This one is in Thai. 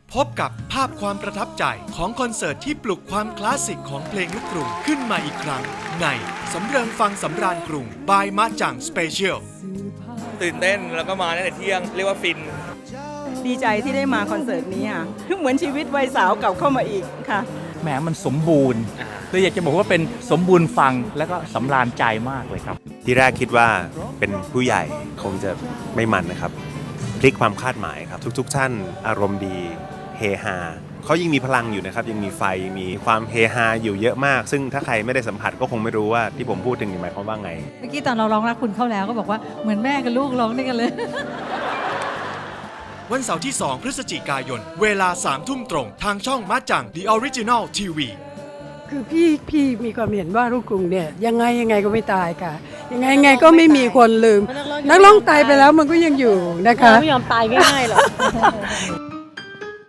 พบกับภาพความประทับใจของคอนเสิร์ตที่ปลุกความคลาสสิกของเพลงลูกกรุงขึ้นมาอีกครั้งในสำเริงฟังสำราญกรุงบายมะจังสเปเชียลตื่นเต้นแล้วก็มาตั้งแต่เที่ยงเรียกว่าฟินดีใจที่ได้มาคอนเสิร์ตนี้ค่ะเหมือนชีวิตวัยสาวกลับเข้ามาอีกค่ะแหมมันสมบูรณ์เลยอยากจะบอกว่าเป็นสมบูรณ์ฟังแล้วก็สำราญใจมากเลยครับที่แรกคิดว่าเป็นผู้ใหญ่คงจะไม่มันนะครับพลิกความคาดหมายครับทุกท่านอารมณ์ดีเฮฮาเขายังมีพลังอยู่นะครับยังมีไฟมีความเฮฮาอยู่เยอะมากซึ่งถ้าใครไม่ได้สัมผัสก็คงไม่รู้ว่าที่ผมพูดถึงหมายความว่าไงเมื่อกี้ตอนเราร้องรักคุณเข้าแล้วก็บอกว่าเหมือนแม่กับลูกร้องด้วยกันเลยวันเสาร์ที่ 2 พฤศจิกายนเวลา 3 ทุ่มตรงทางช่องมะจัง The Original TV คือพี่มีความเห็นว่าลูกกรุงเนี่ยยังไงก็ไม่ตายค่ะยังไงก็ไม่มีคนลืมนักร้องตายไปแล้วมันก็ยังอยู่นะคะไม่ยอมตายง่ายๆหรอก